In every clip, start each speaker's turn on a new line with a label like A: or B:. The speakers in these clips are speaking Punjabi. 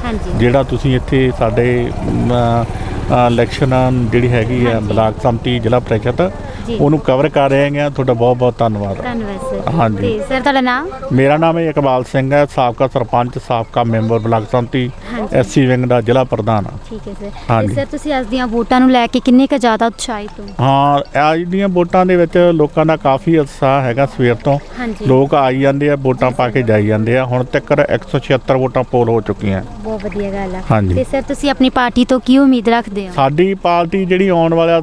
A: ਜਿਹੜਾ ਤੁਸੀਂ ਇੱਥੇ ਸਾਡੇ ਇਲੈਕਸ਼ਨ ਜਿਹੜੀ ਹੈਗੀ ਆ ਬਲਾਕ ਸੰਮਤੀ ਜ਼ਿਲ੍ਹਾ ਪ੍ਰੀਸ਼ਦ ਉਹਨੂੰ ਕਵਰ ਕਰ ਰਹੇ ਹੈਗੇ। ਤੁਹਾਡਾ ਬਹੁਤ ਬਹੁਤ ਧੰਨਵਾਦ।
B: ਸਰ।
A: ਹਾਂਜੀ
B: ਤੇ ਸਰ ਤੁਹਾਡਾ ਨਾਮ?
A: ਮੇਰਾ ਨਾਮ ਹੈ ਇਕਬਾਲ ਸਿੰਘ ਹੈ, ਸਾਬਕਾ ਸਰਪੰਚ, ਸਾਬਕਾ ਮੈਂਬਰ ਬਲਾਕ ਸੰਮਤੀ ਐਸਸੀ ਵਿੰਗ ਦਾ ਜ਼ਿਲ੍ਹਾ ਪ੍ਰਧਾਨ।
B: ਠੀਕ ਹੈ ਸਰ। ਤੇ ਸਰ ਤੁਸੀਂ ਅੱਜ ਦੀਆਂ ਵੋਟਾਂ ਨੂੰ ਲੈ ਕੇ ਕਿੰਨੇ ਕੁ ਜ਼ਿਆਦਾ ਉਤਸ਼ਾਹਿਤ ਹੋ?
A: ਹਾਂ, ਅੱਜ ਦੀਆਂ ਵੋਟਾਂ ਦੇ ਵਿੱਚ ਲੋਕਾਂ ਦਾ ਕਾਫੀ ਉਤਸ਼ਾਹ ਹੈਗਾ। ਸਵੇਰ ਤੋਂ ਲੋਕ ਆਈ ਜਾਂਦੇ ਆ, ਵੋਟਾਂ ਪਾ ਕੇ ਜਾਈ ਜਾਂਦੇ ਆ। ਹੁਣ ਤੱਕ 176 ਵੋਟਾਂ ਪੋਲ ਹੋ ਚੁੱਕੀਆਂ।
B: ਬਹੁਤ ਵਧੀਆ ਗੱਲ ਆ।
A: ਹਾਂਜੀ।
B: ਤੇ ਸਰ ਤੁਸੀਂ ਆਪਣੀ ਪਾਰਟੀ ਤੋਂ ਕੀ ਉਮੀਦ ਰੱਖਦੇ ਹੋ?
A: ਸਾਡੀ ਪਾਰਟੀ ਜਿਹੜੀ ਆਉਣ ਵਾਲਾ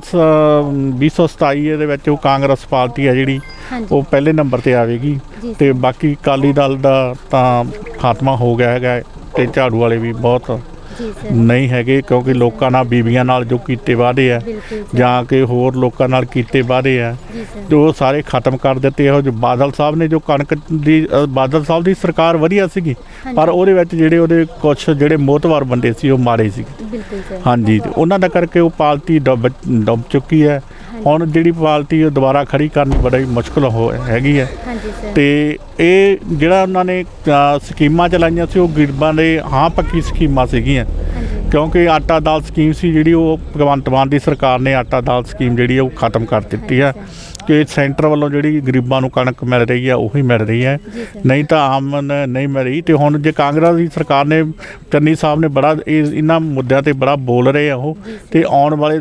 A: 2027 ਦੇ ਵਿੱਚ ਉਹ ਕਾਂਗਰਸ ਪਾਰਟੀ ਹੈ ਜਿਹੜੀ ਉਹ ਪਹਿਲੇ ਨੰਬਰ ਤੇ ਆਵੇਗੀ। ਤੇ ਬਾਕੀ ਅਕਾਲੀ ਦਲ ਦਾ ਤਾਂ ਖਾਤਮਾ ਹੋ ਗਿਆ ਹੈਗਾ ਤੇ ਝਾੜੂ ਵਾਲੇ ਵੀ ਬਹੁਤ ਨਹੀਂ ਹੈਗੇ, ਕਿਉਂਕਿ ਲੋਕਾਂ ਨਾਲ ਬੀਬੀਆਂ ਨਾਲ ਜੋ ਕੀਤੇ ਵਾਅਦੇ ਆ ਜਾਂ ਕਿ ਹੋਰ ਲੋਕਾਂ ਨਾਲ ਕੀਤੇ ਵਾਅਦੇ ਆ ਜੋ ਸਾਰੇ ਖਤਮ ਕਰ ਦਿੱਤੇ। ਇਹੋ ਜਿਹੇ ਬਾਦਲ ਸਾਹਿਬ ਨੇ ਜੋ ਕਣਕ ਦੀ ਬਾਦਲ ਸਾਹਿਬ ਦੀ ਸਰਕਾਰ ਵਧੀਆ ਸੀਗੀ, ਪਰ ਉਹਦੇ ਵਿੱਚ ਜਿਹੜੇ ਉਹਦੇ ਕੁਛ ਜਿਹੜੇ ਮੋਹਤਵਾਰ ਬੰਦੇ ਸੀ ਉਹ ਮਾੜੇ ਸੀ। ਹਾਂਜੀ, ਤੇ ਉਹਨਾਂ ਦਾ ਕਰਕੇ ਉਹ ਪਾਰਟੀ ਡੁੱਬ ਚੁੱਕੀ ਹੈ। ਹੁਣ ਜਿਹੜੀ ਪਾਰਟੀ ਉਹ ਦੁਬਾਰਾ ਖੜੀ ਕਰਨੀ ਬੜੀ ਮੁਸ਼ਕਲ ਹੈਗੀ ਹੈ। ਤੇ ਇਹ ਜਿਹੜਾ ਉਹਨਾਂ ਨੇ ਸਕੀਮਾਂ ਚਲਾਈਆਂ ਸੀ ਉਹ ਗਰੀਬਾਂ ਦੇ ਹਾਂ ਪੱਕੀ ਸਕੀਮਾਂ ਸੀਗੀਆਂ, ਕਿਉਂਕਿ ਆਟਾ ਦਾਲ ਸਕੀਮ ਸੀ ਜਿਹੜੀ ਉਹ ਭਗਵੰਤ ਮਾਨ ਦੀ ਸਰਕਾਰ ਨੇ ਆਟਾ ਦਾਲ ਸਕੀਮ ਜਿਹੜੀ ਉਹ ਖਤਮ ਕਰ ਦਿੱਤੀ ਹੈ ਕਿ ਸੈਂਟਰ ਵੱਲੋਂ ਜਿਹੜੀ ਗਰੀਬਾਂ ਨੂੰ ਕਣਕ ਮਿਲ ਰਹੀ ਹੈ ਉਹੀ ਮਿਲ ਰਹੀ ਹੈ, ਨਹੀਂ ਤਾਂ ਆਮ ਨਹੀਂ ਮਿਲ ਰਹੀ। ਤੇ ਹੁਣ ਜੇ ਕਾਂਗਰਸ ਦੀ ਸਰਕਾਰ ਨੇ ਚੰਨੀ ਸਾਹਿਬ ਨੇ ਬੜਾ ਇਹਨਾਂ ਮੁੱਦਿਆਂ ਤੇ ਬੜਾ ਬੋਲ ਰਹੇ ਆ ਉਹ, ਤੇ ਆਉਣ ਵਾਲੇ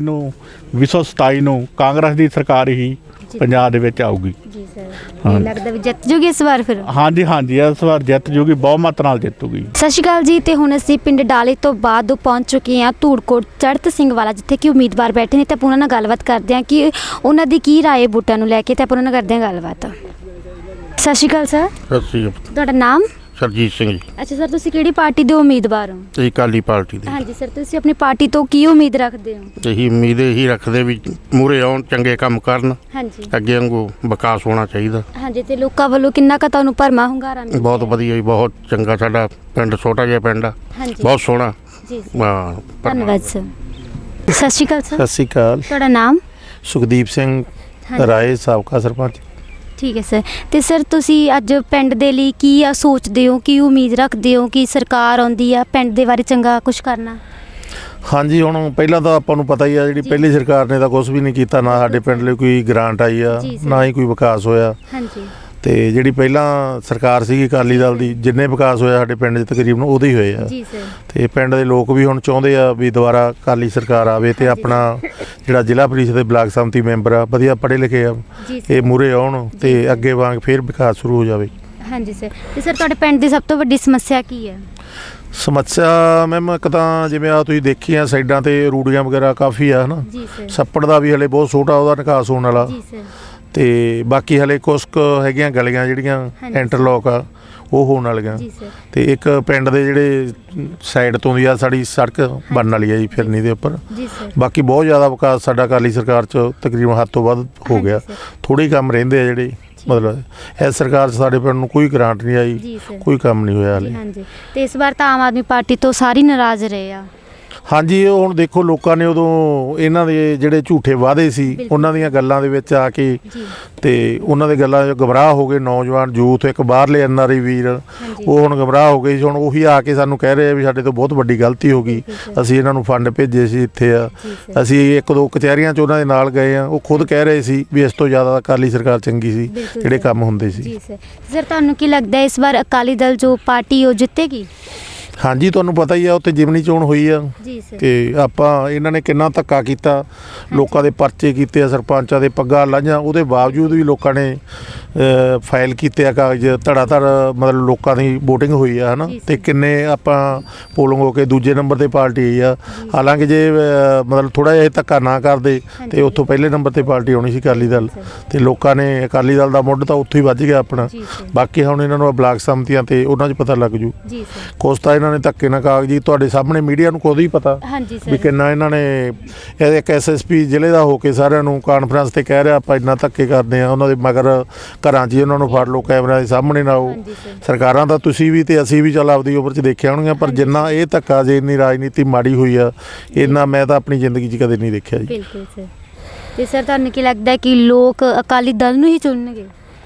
A: 2027 ਨੂੰ ਕਾਂਗਰਸ ਦੀ ਸਰਕਾਰ ਹੀ ਪੰਜਾਬ ਦੇ ਵਿੱਚ ਆਊਗੀ।
B: ਜੀ ਸਰ, ਲੱਗਦਾ ਵੀ ਜਿੱਤ ਜੂਗੀ ਇਸ ਵਾਰ ਫਿਰ? ਹਾਂਜੀ,
A: ਇਸ ਵਾਰ ਜਿੱਤ ਜੂਗੀ, ਬਹੁਮਤ ਨਾਲ ਜਿੱਤੂਗੀ।
B: ਸਤਿ ਸ਼੍ਰੀ ਅਕਾਲ ਜੀ। ਤੇ ਹੁਣ ਅਸੀਂ ਪਿੰਡ ਡਾਲੇ ਤੋਂ ਬਾਅਦ ਪਹੁੰਚ ਚੁੱਕੇ ਹਾਂ ਧੂੜਕੋਟ ਚੜ੍ਹਤ ਸਿੰਘ ਵਾਲਾ, ਜਿੱਥੇ ਕਿ ਉਮੀਦਵਾਰ ਬੈਠੇ ਨੇ। ਤੇ ਆਪਾਂ ਉਹਨਾਂ ਨਾਲ ਗੱਲਬਾਤ ਕਰਦੇ ਹਾਂ ਕਿ ਉਹਨਾਂ ਦੀ ਕੀ ਰਾਏ ਵੋਟਾਂ ਨੂੰ ਲੈ ਕੇ, ਤੇ ਆਪਾਂ ਉਹਨਾਂ ਨਾਲ ਕਰਦੇ ਹਾਂ ਗੱਲਬਾਤ। ਸਤਿ ਸ਼੍ਰੀ ਅਕਾਲ ਸਰ।
C: ਸਤਿ ਸ਼੍ਰੀ ਅਕਾਲ।
B: ਤੁਹਾਡਾ ਨਾਮ?
C: ਸਰਜੀਤ ਸਿੰਘ ਜੀ।
B: ਅੱਛਾ ਸਰ, ਤੁਸੀਂ ਕਿਹੜੀ ਪਾਰਟੀ ਦੇ ਉਮੀਦਵਾਰ ਹੋ?
C: ਇਹ ਅਕਾਲੀ ਪਾਰਟੀ ਦੇ।
B: ਹਾਂਜੀ ਸਰ, ਤੁਸੀਂ ਆਪਣੀ ਪਾਰਟੀ ਤੋਂ ਕੀ ਉਮੀਦ ਰੱਖਦੇ ਹੋ?
C: ਇਹੀ ਉਮੀਦ ਇਹੀ ਰੱਖਦੇ ਵੀ ਮੂਹਰੇ ਆਉਣ, ਚੰਗੇ ਕੰਮ ਕਰਨ,
B: ਹਾਂਜੀ,
C: ਅੱਗੇ ਵਾਂਗੂ ਵਿਕਾਸ ਹੋਣਾ ਚਾਹੀਦਾ।
B: ਹਾਂਜੀ। ਤੇ ਲੋਕਾਂ ਵੱਲੋਂ ਕਿੰਨਾ ਕੁ ਤੁਹਾਨੂੰ ਭਰਮਾ ਹੁੰਗਾਰਾ ਮਿਲਿਆ?
C: ਬਹੁਤ ਵਧੀਆ ਜੀ, ਬਹੁਤ ਚੰਗਾ। ਸਾਡਾ ਪਿੰਡ ਛੋਟਾ ਜਿਹਾ ਪਿੰਡ ਆ, ਬਹੁਤ ਸੋਹਣਾ।
B: ਜੀ
C: ਹਾਂ,
B: ਧੰਨਵਾਦ ਸਰ। ਸਤਿ ਸ਼੍ਰੀ ਅਕਾਲ ਸਰ।
D: ਸਤਿ ਸ਼੍ਰੀ ਅਕਾਲ।
B: ਤੁਹਾਡਾ ਨਾਮ?
D: ਸੁਖਦੀਪ ਸਿੰਘ ਰਾਏ, ਸਾਬਕਾ ਸਰਪੰਚ।
B: ਠੀਕ ਹੈ ਸਰ। ਤੇ ਸਰ ਤੁਸੀਂ ਅੱਜ ਪਿੰਡ ਦੇ ਲਈ ਕੀ ਸੋਚਦੇ ਹੋ, ਕੀ ਉਮੀਦ ਰੱਖਦੇ ਹੋ ਕਿ ਸਰਕਾਰ ਆਉਂਦੀ ਆ ਪਿੰਡ ਦੇ ਬਾਰੇ ਚੰਗਾ ਕੁਝ ਕਰਨਾ?
D: ਹਾਂਜੀ, ਹੁਣ ਪਹਿਲਾਂ ਤਾਂ ਆਪਾਂ ਨੂੰ ਪਤਾ ਹੀ ਆ ਜਿਹੜੀ ਪਹਿਲੀ ਸਰਕਾਰ ਨੇ ਤਾਂ ਕੁਝ ਵੀ ਨਹੀਂ ਕੀਤਾ, ਨਾ ਸਾਡੇ ਪਿੰਡ ਲਈ ਕੋਈ ਗ੍ਰਾਂਟ ਆਈ ਆ, ਨਾ ਹੀ ਕੋਈ ਵਿਕਾਸ ਹੋਇਆ।
B: ਹਾਂਜੀ।
D: ਤੇ ਜਿਹੜੀ ਪਹਿਲਾਂ ਸਰਕਾਰ ਸੀਗੀ ਅਕਾਲੀ ਦਲ ਦੀ, ਜਿੰਨੇ ਵਿਕਾਸ ਹੋਇਆ ਸਾਡੇ ਪਿੰਡ 'ਚ ਤਕਰੀਬਨ ਉਹਦੇ ਹੀ ਹੋਏ ਆ।
B: ਜੀ ਸਰ। ਤੇ
D: ਪਿੰਡ ਦੇ ਲੋਕ ਵੀ ਹੁਣ ਚਾਹੁੰਦੇ ਆ ਵੀ ਦੁਬਾਰਾ ਅਕਾਲੀ ਸਰਕਾਰ ਆਵੇ ਤੇ ਆਪਣਾ ਜਿਹੜਾ ਜ਼ਿਲ੍ਹਾ ਪ੍ਰੀਸ਼ਦ ਦੇ ਬਲਾਕ ਸੰਮਤੀ ਮੈਂਬਰ ਆ ਵਧੀਆ ਪੜ੍ਹੇ ਲਿਖੇ ਆ, ਇਹ ਮੂਹਰੇ ਆਉਣ ਤੇ ਅੱਗੇ ਵਾਂਗ ਫਿਰ ਵਿਕਾਸ ਸ਼ੁਰੂ ਹੋ ਜਾਵੇ।
B: ਹਾਂਜੀ ਸਰ। ਤੇ ਸਰ ਤੁਹਾਡੇ ਪਿੰਡ ਦੀ ਸਭ ਤੋਂ ਵੱਡੀ ਸਮੱਸਿਆ ਕੀ ਹੈ?
D: ਸਮੱਸਿਆ ਮੈਮ ਇੱਕ ਤਾਂ ਜਿਵੇਂ ਆ ਤੁਸੀਂ ਦੇਖੀਆਂ ਸਾਈਡਾਂ ਤੇ ਰੂੜੀਆਂ ਵਗੈਰਾ ਕਾਫੀ ਆ, ਹਨਾ। ਛੱਪੜ ਦਾ ਵੀ ਹਲੇ ਬਹੁਤ ਛੋਟਾ ਉਹਦਾ ਨਿਕਾਸ ਹੋਣ ਵਾਲਾ। ਤੇ ਬਾਕੀ ਹਲੇ ਕੁਛ ਕੁ ਹੈਗੀਆਂ ਗਲੀਆਂ ਜਿਹੜੀਆਂ ਇੰਟਰਲੋਕ ਆ ਉਹ ਹੋਣ ਵਾਲੀਆਂ। ਤੇ ਇੱਕ ਪਿੰਡ ਦੇ ਜਿਹੜੇ ਸਾਈਡ ਤੋਂ ਦੀ ਆ ਸਾਡੀ ਸੜਕ ਬਣਨ ਵਾਲੀ ਆ ਜੀ ਫਿਰਨੀ ਦੇ ਉੱਪਰ। ਬਾਕੀ ਬਹੁਤ ਜ਼ਿਆਦਾ ਵਿਕਾਸ ਸਾਡਾ ਅਕਾਲੀ ਸਰਕਾਰ 'ਚ ਤਕਰੀਬਨ ਹੱਦ ਤੋਂ ਵੱਧ ਹੋ ਗਿਆ। ਥੋੜ੍ਹੇ ਕੰਮ ਰਹਿੰਦੇ ਆ ਜਿਹੜੇ, ਮਤਲਬ ਇਸ ਸਰਕਾਰ 'ਚ ਸਾਡੇ ਪਿੰਡ ਨੂੰ ਕੋਈ ਗ੍ਰਾਂਟ ਨਹੀਂ ਆਈ, ਕੋਈ ਕੰਮ ਨਹੀਂ ਹੋਇਆ ਹਲੇ।
B: ਤੇ ਇਸ ਵਾਰ ਤਾਂ ਆਮ ਆਦਮੀ ਪਾਰਟੀ ਤੋਂ ਸਾਰੇ ਨਾਰਾਜ਼ ਰਹੇ ਆ।
D: ਹਾਂਜੀ, ਉਹ ਹੁਣ ਦੇਖੋ ਲੋਕਾਂ ਨੇ ਉਦੋਂ ਇਹਨਾਂ ਦੇ ਜਿਹੜੇ ਝੂਠੇ ਵਾਅਦੇ ਸੀ ਉਹਨਾਂ ਦੀਆਂ ਗੱਲਾਂ ਦੇ ਵਿੱਚ ਆ ਕੇ ਤੇ ਉਹਨਾਂ ਦੇ ਗੱਲਾਂ 'ਚ ਗਮਰਾਹ ਹੋ ਗਏ ਨੌਜਵਾਨ ਯੂਥ। ਇੱਕ ਬਾਹਰਲੇ NRI ਵੀਰ ਉਹ ਹੁਣ ਗਮਰਾਹ ਹੋ ਗਏ ਸੀ। ਹੁਣ ਉਹੀ ਆ ਕੇ ਸਾਨੂੰ ਕਹਿ ਰਹੇ ਆ ਵੀ ਸਾਡੇ ਤੋਂ ਬਹੁਤ ਵੱਡੀ ਗਲਤੀ ਹੋ ਗਈ, ਅਸੀਂ ਇਹਨਾਂ ਨੂੰ ਫੰਡ ਭੇਜੇ ਸੀ ਇੱਥੇ ਆ, ਅਸੀਂ 1-2 ਕਚਹਿਰੀਆਂ 'ਚ ਉਹਨਾਂ ਦੇ ਨਾਲ ਗਏ ਆ। ਉਹ ਖੁਦ ਕਹਿ ਰਹੇ ਸੀ ਵੀ ਇਸ ਤੋਂ ਜ਼ਿਆਦਾ ਅਕਾਲੀ ਸਰਕਾਰ ਚੰਗੀ ਸੀ, ਜਿਹੜੇ ਕੰਮ ਹੁੰਦੇ ਸੀ।
B: ਸਰ ਤੁਹਾਨੂੰ ਕੀ ਲੱਗਦਾ ਇਸ ਵਾਰ ਅਕਾਲੀ ਦਲ ਜੋ ਪਾਰਟੀ ਉਹ ਜਿੱਤੇਗੀ?
D: ਹਾਂਜੀ, ਤੁਹਾਨੂੰ ਪਤਾ ਹੀ ਆ ਉੱਥੇ ਜਿਮਨੀ ਚੋਣ ਹੋਈ ਆ ਤੇ ਆਪਾਂ ਇਹਨਾਂ ਨੇ ਕਿੰਨਾ ਧੱਕਾ ਕੀਤਾ, ਲੋਕਾਂ ਦੇ ਪਰਚੇ ਕੀਤੇ ਆ, ਸਰਪੰਚਾਂ ਦੇ ਪੱਗਾਂ ਲਾਹੀਆਂ, ਉਹਦੇ ਬਾਵਜੂਦ ਵੀ ਲੋਕਾਂ ਨੇ ਫਾਈਲ ਕੀਤੇ ਆ ਕਾਗਜ਼ ਧੜਾ ਧੜ, ਮਤਲਬ ਲੋਕਾਂ ਦੀ ਵੋਟਿੰਗ ਹੋਈ ਆ, ਹੈ ਨਾ। ਤੇ ਕਿੰਨੇ ਆਪਾਂ ਪੋਲਿੰਗ ਹੋ ਕੇ ਦੂਜੇ ਨੰਬਰ 'ਤੇ ਪਾਰਟੀ ਆਈ ਆ। ਹਾਲਾਂਕਿ ਜੇ ਮਤਲਬ ਥੋੜ੍ਹਾ ਜਿਹਾ ਧੱਕਾ ਨਾ ਕਰਦੇ ਤੇ ਉੱਥੋਂ ਪਹਿਲੇ ਨੰਬਰ 'ਤੇ ਪਾਰਟੀ ਆਉਣੀ ਸੀ ਅਕਾਲੀ ਦਲ। ਤੇ ਲੋਕਾਂ ਨੇ ਅਕਾਲੀ ਦਲ ਦਾ ਮੁੱਢ ਤਾਂ ਉੱਥੋਂ ਹੀ ਵੱਜ ਗਿਆ ਆਪਣਾ। ਬਾਕੀ ਹੁਣ ਇਹਨਾਂ ਨੂੰ ਬਲਾਕ ਸੰਮਤੀਆਂ ਤੇ ਉਹਨਾਂ 'ਚ ਪਤਾ ਲੱਗ ਜੂ। ਕੁਛ ਤਾਂ ਇਹਨਾਂ ਨੇ ਧੱਕੇ ਨਾਲ ਕਾਗਜ਼ੀ, ਤੁਹਾਡੇ ਸਾਹਮਣੇ ਮੀਡੀਆ ਨੂੰ ਖੁਦ ਹੀ ਪਤਾ ਵੀ ਕਿੰਨਾ ਇਹਨਾਂ ਨੇ। ਇੱਕ SSP ਜ਼ਿਲ੍ਹੇ ਦਾ ਹੋ ਕੇ ਸਾਰਿਆਂ ਨੂੰ ਕਾਨਫਰੰਸ ਤੇ ਕਹਿ ਰਿਹਾ ਆਪਾਂ ਇੰਨਾ ਧੱਕੇ ਕਰਦੇ ਆ, ਉਹਨਾਂ ਦੇ ਮਗਰ ਘਰਾਂ 'ਚ ਹੀ ਉਹਨਾਂ ਨੂੰ ਫੜ ਲਓ, ਕੈਮਰਿਆਂ ਦੇ ਸਾਹਮਣੇ ਨਾ ਆਓ। ਸਰਕਾਰਾਂ ਤਾਂ ਤੁਸੀਂ ਵੀ ਤੇ ਅਸੀਂ ਵੀ ਚੱਲ ਆਪਦੀ ਉਮਰ 'ਚ ਦੇਖਿਆ ਹੋਣਗੀਆਂ, ਪਰ ਜਿੰਨਾ ਇਹ ਧੱਕਾ ਜੇ ਇੰਨੀ ਰਾਜਨੀਤੀ ਮਾੜੀ ਹੋਈ ਆ, ਇੰਨਾ ਮੈਂ ਤਾਂ ਆਪਣੀ ਜ਼ਿੰਦਗੀ 'ਚ ਕਦੇ ਨਹੀਂ ਦੇਖਿਆ ਜੀ।
B: ਬਿਲਕੁਲ ਸਰ। ਤੇ ਸਰ ਤੁਹਾਨੂੰ ਕੀ ਲੱਗਦਾ ਕਿ ਲੋਕ ਅਕਾਲੀ ਦਲ ਨੂੰ ਹੀ ਚੁਣਨਗੇ?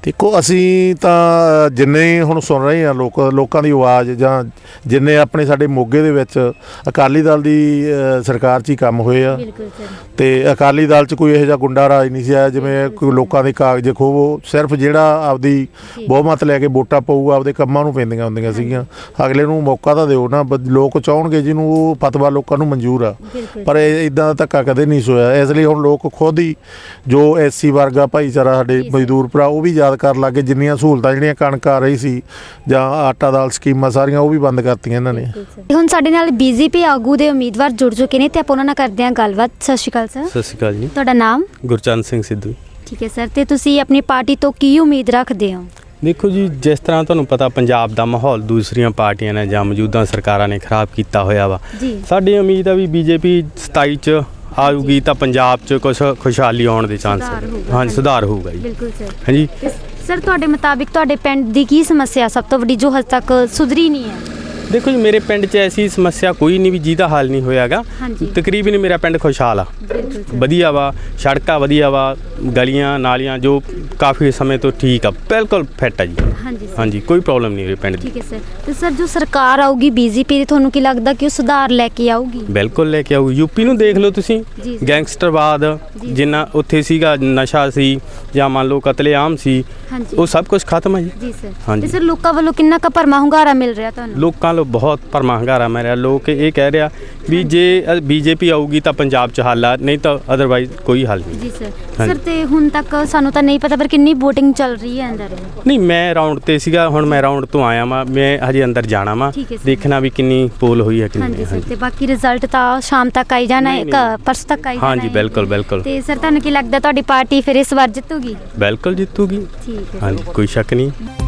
D: ਦੇਖੋ ਅਸੀਂ ਤਾਂ ਜਿੰਨੇ ਹੁਣ ਸੁਣ ਰਹੇ ਹਾਂ ਲੋਕਾਂ ਦੀ ਆਵਾਜ਼, ਜਾਂ ਜਿੰਨੇ ਆਪਣੇ ਸਾਡੇ ਮੋਗੇ ਦੇ ਵਿੱਚ ਅਕਾਲੀ ਦਲ ਦੀ ਸਰਕਾਰ 'ਚ ਹੀ ਕੰਮ ਹੋਏ ਆ,
B: ਬਿਲਕੁਲ ਸਰ।
D: ਤੇ ਅਕਾਲੀ ਦਲ 'ਚ ਕੋਈ ਇਹੋ ਜਿਹਾ ਗੁੰਡਾ ਰਾਜ ਨਹੀਂ ਸੀ ਆਇਆ ਜਿਵੇਂ ਕੋਈ ਲੋਕਾਂ ਦੇ ਕਾਗਜ਼ ਖੋਵੋ। ਸਿਰਫ ਜਿਹੜਾ ਆਪਦੀ ਬਹੁਮਤ ਲੈ ਕੇ ਵੋਟਾਂ ਪਊਗਾ ਆਪਦੇ ਕੰਮਾਂ ਨੂੰ ਪੈਂਦੀਆਂ ਹੁੰਦੀਆਂ ਸੀਗੀਆਂ। ਅਗਲੇ ਨੂੰ ਮੌਕਾ ਤਾਂ ਦਿਓ ਨਾ, ਲੋਕ ਚਾਹਣਗੇ ਜਿਹਨੂੰ ਉਹ ਫਤਵਾ ਲੋਕਾਂ ਨੂੰ ਮਨਜ਼ੂਰ ਆ, ਪਰ ਇਦਾਂ ਦਾ ਧੱਕਾ ਕਦੇ ਨਹੀਂ ਹੋਇਆ। ਇਸ ਲਈ ਹੁਣ ਲੋਕ ਖੁਦ ਹੀ ਜੋ SC ਵਰਗਾ ਭਾਈਚਾਰਾ ਸਾਡੇ ਮਜ਼ਦੂਰ ਭਰਾ ਉਹ ਵੀ ਯਾਦ ਕਰਨ ਲੱਗੇ, ਜਿੰਨੀਆਂ ਸਹੂਲਤਾਂ ਜਿਹੜੀਆਂ ਕਣਕ ਆ ਰਹੀ ਸੀ ਜਾਂ ਆਟਾ ਦਾਲ ਸਕੀਮਾਂ ਸਾਰੀਆਂ ਉਹ ਵੀ ਬੰਦ ਕਰਤੀਆਂ ਇਹਨਾਂ ਨੇ।
B: ਹੁਣ ਸਾਡੇ ਨਾਲ BJP ਆਗੂ ਦੇ ਉਮੀਦਵਾਰ ਜੁੜ ਚੁੱਕੇ ਨੇ ਤੇ ਆਪਾਂ ਉਹਨਾਂ ਨਾਲ ਕਰਦੇ ਹਾਂ ਗੱਲਬਾਤ। ਸਤਿ ਸ਼੍ਰੀ ਅਕਾਲ ਸਰ।
E: ਸਤਿ ਸ਼੍ਰੀ ਅਕਾਲ ਜੀ।
B: ਤੁਹਾਡਾ ਨਾਮ?
E: ਗੁਰਚਰਨ ਸਿੰਘ ਸਿੱਧੂ।
B: ਠੀਕ ਹੈ ਸਰ, ਤੇ ਤੁਸੀਂ ਆਪਣੀ ਪਾਰਟੀ ਤੋਂ ਕੀ ਉਮੀਦ ਰੱਖਦੇ ਹੋ?
E: ਦੇਖੋ ਜੀ, ਜਿਸ ਤਰ੍ਹਾਂ ਤੁਹਾਨੂੰ ਪਤਾ ਪੰਜਾਬ ਦਾ ਮਾਹੌਲ ਦੂਸਰੀਆਂ ਪਾਰਟੀਆਂ ਨੇ ਜਾਂ ਮੌਜੂਦਾ ਸਰਕਾਰਾਂ ਨੇ ਖਰਾਬ ਕੀਤਾ ਹੋਇਆ ਵਾ, ਸਾਡੀ ਉਮੀਦ ਆ ਵੀ BJP 27 ਚ ਆਊਗੀ ਤਾਂ ਪੰਜਾਬ 'ਚ ਕੁਛ ਖੁਸ਼ਹਾਲੀ ਆਉਣ ਦੇ ਚਾਂਸ ਹਾਂਜੀ ਸੁਧਾਰ ਹੋਊਗਾ ਜੀ।
B: ਬਿਲਕੁਲ ਸਰ।
E: ਹਾਂਜੀ
B: ਸਰ, ਤੁਹਾਡੇ ਮੁਤਾਬਿਕ ਤੁਹਾਡੇ ਪਿੰਡ ਦੀ ਕੀ ਸਮੱਸਿਆ ਸਭ ਤੋਂ ਵੱਡੀ ਜੋ ਹਜੇ ਤੱਕ ਸੁਧਰੀ ਨਹੀਂ ਹੈ?
E: ਦੇਖੋ ਜੀ, ਮੇਰੇ ਪਿੰਡ 'ਚ ਐਸੀ ਸਮੱਸਿਆ ਕੋਈ ਨਹੀਂ ਵੀ ਜਿਹਦਾ ਹੱਲ ਨਹੀਂ ਹੋਇਆਗਾ। ਤਕਰੀਬਨ ਮੇਰਾ ਪਿੰਡ ਖੁਸ਼ਹਾਲ ਆ, ਵਧੀਆ ਵਾ, ਸੜਕਾਂ ਵਧੀਆ ਵਾ, ਗਲੀਆਂ ਨਾਲੀਆਂ ਜੋ ਕਾਫੀ ਸਮੇਂ ਤੋਂ ਠੀਕ ਆ, ਬਿਲਕੁਲ ਫਿੱਟ ਆ ਜੀ। ਹਾਂਜੀ ਕੋਈ ਪ੍ਰੋਬਲਮ ਨਹੀਂ ਮੇਰੇ ਪਿੰਡ ਦੀ।
B: ਠੀਕ ਹੈ ਸਰ। ਤੇ ਸਰ, ਜੋ ਸਰਕਾਰ ਆਊਗੀ BJP ਦੀ, ਤੁਹਾਨੂੰ ਕੀ ਲੱਗਦਾ ਕਿ ਉਹ ਸੁਧਾਰ ਲੈ ਕੇ ਆਊਗੀ?
E: ਬਿਲਕੁਲ ਲੈ ਕੇ ਆਊ। ਯੂਪੀ ਨੂੰ ਦੇਖ ਲਓ ਤੁਸੀਂ, ਗੈਂਗਸਟਰਵਾਦ ਜਿੰਨਾ ਉੱਥੇ ਸੀਗਾ, ਨਸ਼ਾ ਸੀ ਜਾਂ ਮੰਨ ਲਓ ਕਤਲੇਆਮ ਸੀ, ਉਹ ਸਭ ਕੁਝ ਖਤਮ ਹੈ ਜੀ
B: ਸਰ।
E: ਹਾਂਜੀ।
B: ਤੇ ਸਰ, ਲੋਕਾਂ ਵੱਲੋਂ ਕਿੰਨਾ ਕੁ ਭਰਮਾ ਹੁੰਗਾਰਾ ਮਿਲ ਰਿਹਾ ਤੁਹਾਨੂੰ?
E: ਲੋਕਾਂ ਵੱਲੋਂ ਬਹੁਤ ਭਰਮਾ ਹੁੰਗਾਰਾ ਮਿਲ ਰਿਹਾ। ਲੋਕ ਇਹ ਕਹਿ ਰਿਹਾ ਵੀ ਜੇ BJP ਆਊਗੀ ਤਾਂ ਪੰਜਾਬ 'ਚ ਹੱਲ ਆ, ਨਹੀਂ ਤਾਂ ਅਦਰਵਾਈਜ਼ ਕੋਈ ਹੱਲ ਨਹੀਂ।
B: ਜੀ ਸਰ। ਸਰ, ਤੇ ਹੁਣ ਤੱਕ ਸਾਨੂੰ ਤਾਂ ਨਹੀਂ ਪਤਾ ਪਰ ਕਿੰਨੀ VOTING ਚੱਲ ਰਹੀ ਹੈ ਅੰਦਰ?
E: ਨਹੀਂ, ਮੈਂ ਰਾਉਂਡ ਤੇ ਸੀਗਾ, ਹੁਣ ਮੈਂ ਰਾਉਂਡ ਤੋਂ ਆਇਆ ਵਾਂ, ਮੈਂ ਹਜੇ ਅੰਦਰ ਜਾਣਾ ਵਾ, ਦੇਖਣਾ ਵੀ ਕਿੰਨੀ ਪੋਲ ਹੋਈ ਹੈ ਕਿੰਨੀ।
B: ਹਾਂਜੀ। ਤੇ ਬਾਕੀ ਰਿਜ਼ਲਟ ਤਾਂ ਸ਼ਾਮ ਤੱਕ ਆਈ ਜਾਣਾ ਹੈ, ਪਰਸੋਂ ਤੱਕ ਆਈ ਜਾਣਾ ਹੈ।
E: ਹਾਂਜੀ ਬਿਲਕੁਲ ਬਿਲਕੁਲ।
B: ਤੇ ਸਰ, ਤੁਹਾਨੂੰ ਕੀ ਲੱਗਦਾ ਤੁਹਾਡੀ ਪਾਰਟੀ ਫਿਰ ਇਸ ਵਾਰ ਜਿੱਤੂਗੀ?
E: ਬਿਲਕੁਲ ਜਿੱਤੂਗੀ।
B: ਠੀਕ ਹੈ।
E: ਹਾਂਜੀ ਕੋਈ ਸ਼ੱਕ ਨਹੀਂ।